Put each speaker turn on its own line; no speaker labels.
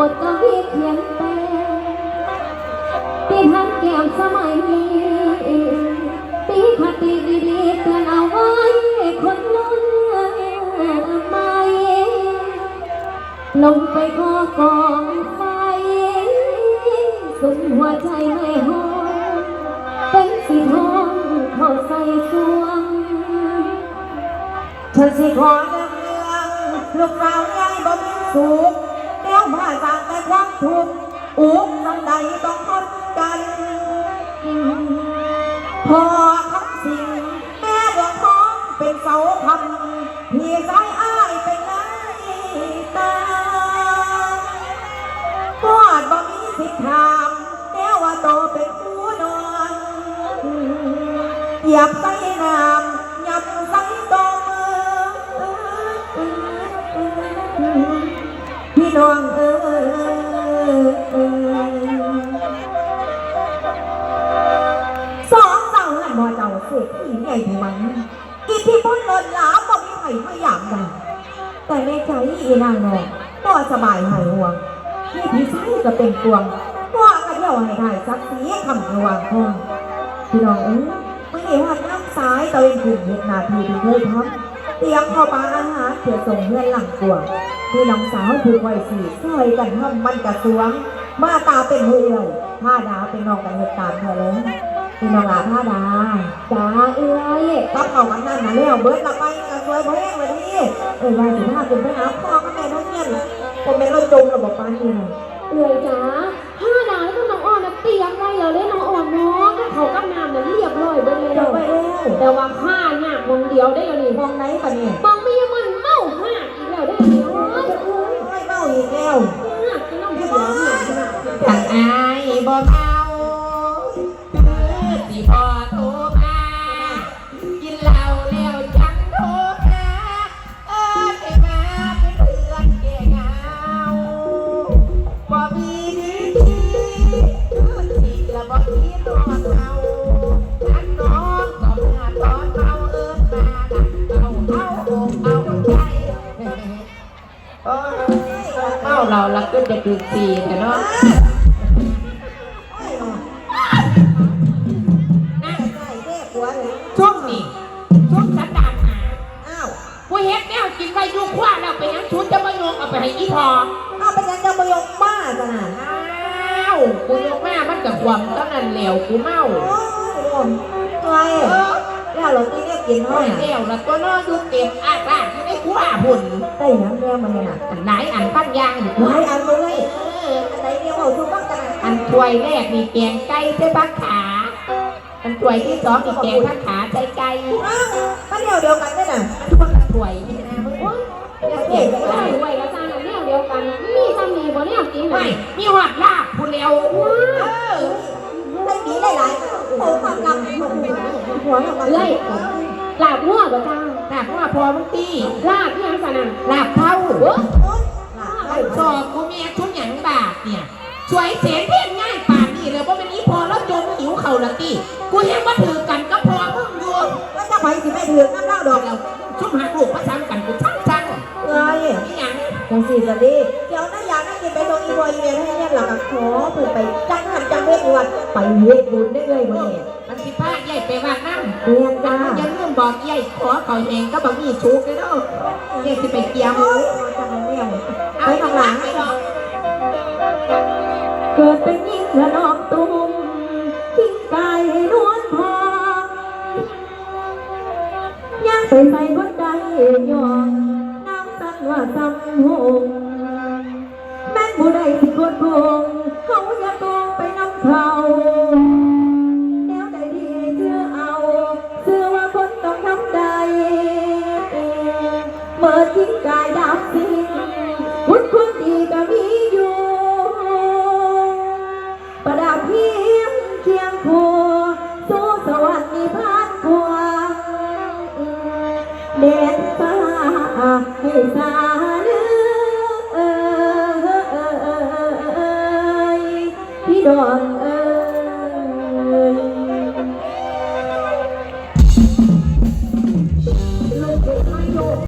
ดกวีเขียนแปลที่ทันแก้มสมัยนี้ตีคติดีๆเตือนเอาไว้คนรุ่นใหม่ลงไปขอกองไฟสุดหัวใจไม่หอมเป็นสีทองเข้าใส่สวง
ฉันสิขอเรื่องลูกสาวใหญ่บ่มีสุขเดี๋ยวมาจากแต่ความทุกข์อุกน้ำใดต้องทนกันพอคำสิ่งแม่ดวงท้องเป็นเสาคำพี่สายอ้ายเป็นไงตาปวดบ่มีสิทธิ์ถามเดี๋ยวว่าโตเป็นผู้นอนเหยียบใส่น้ำยับใส่ตมพี่น้องสองเจ้าหันบ่เจ้าเสียที่ใหญ่ถึงมันอิทธิพลล้นหลามบ่มีใครพยายามกันแต่ในใจอีนางนองบ่สบายหายห่วงนี่พี่ชายก็เป็นกวงว่ากันเที่ยวให้ได้สักสีคำระหว่างพ่อพี่น้องไม่เห็นว่าน้ำซ้ายตะเวนขึ้นเหตุนาทีที่เคยทำเตรียมเข้าปลาอาหารเพื่อส่งเพื่อนหลังกวงพี่น้องสาวถูกไว้สี่ซอยกันทำมันกระสวงมาตาเป็นเหื่อยผ้าดาเป็นนองกันเหตุการณ์เธอเลยพี่น้องลาผ้าดา
จ้า
ต้องเอากันนั่นนะแล้วเบิร์ดละไปกระสวยเพลงมาดิว่าสิถ้าเป็นไปหาพ่อก็แม่ทั้งเงี้ยผมเป็นรถจมระบบปานนี่
จ้าผ้าดาแล้วก็น้องอ่อนเตรียมไว้เลยน้องอ่อนน้องก็เขาก็งามเรียบร้อยไปเลยแต่ว่าผ้าเนี่ยมองเดียวได้เลย
มองไหนปะเนี่ย
มองไม่ยังมันเมาผ้าอีกแล้วได้เลย
ไม่เมาอีกแล้ว
น้องเดียวเนี่ย
ทางอายบ่เมาสิพอโทรมากินเหล้าแล้วจังโทรหาได้มาเป็นเพื่อนแก่เหงาบ่มีดีที่ละบ่คิดนอนเอาท่านน้องก็มาตอนเมามาเอาใจเมาเราละก็จะดูสีแต่เนาะ
ช่วงนี้ช่วงสันดานหาผู้เฮ็ดแนวกินไปยุ่งคว้าแล้วไปยังชุดจะมาโยงเอาไปให้อีพอ
ไปยังจะมาโยงบ้าจ้ะน่ะ
กูโยงแม่มันกับความตอนนั้นเหลวกูเมา
ไงแล้วเราตีเนี่ยกินห้อย
เหลวแล้วตัวน้อดูเต็มอาตาที่ได้คว้าหุ่น
ได้น้ำแดงมาเนี่ยน่ะ
อันไหนอันปั้นยาง
ไหนอันเลยอันไหนเนี่ยเอาชุบบ้างกัน
อันถ้วยแรกมีแกงไก่ใส่ผักขาอันถ้วยที่สองมีแกงผักขาใส่ไก่
ก็เดียวกันได้น่ะ
ทุกคนถ้วยนี่นะมึงว่า
เก่งด้วยแล้วจ้าเนี่ยเดียวกันมีซ้ำมีบ่เนี่ยกินไหม
มีหอดลาบผู้เร็ว
ได้ดีหลายๆความลำหัวของมัน
เลยลาบหัวบ่จ้า
ลาบหัวพอมึงตี
ลาบที่ยังสนั่น
ลาบเท่าสอบกูเมียชุดหยังบาทเนี่ยสวยเสียเพี้ยนง่ายป่านนี่เลยว่าเป็นนี้พอแล้วจมหิวเข่าละตีกูยังมาถือกันก็พอมึงอยู่
แล้วจะไปสิไม่ถือน้ำเล่าดอก
แล้วชุ่มหักลูกมาซ้ำกันกูช่าง
นี่ยังจังสีสันดีเดี๋ยวน่าอยากน่ากินไปตรงอีบอยเมียให้เนี่ยหลักขอเปิดไปจังหันจังเวทวันไปเวทบุญได้เลยวันนี้
มันสิป้าใหญ่ไปวางน้ำ
เรียนจ้า
อย่าลืมบอกใหญ่ขอเขาเองก็บอกมีชุกเลยเนาะใหญ่สิไปเกี่ยว
จังเนี่ยไปทางหลังเกิดเป็นยิ่งละนอกตุ้มทิ้งกายให้นวลพอย่างไปใส่หัวใจยองน้ำสั่นว่าซ้ำหงแม่นผู้ใดสิกดพงเขาอย่าตรงไปน้ำเขาแนวใดดีเชื่อเอาเชื่อว่าคนต้องทำใจเมื่อทิ้งกายได้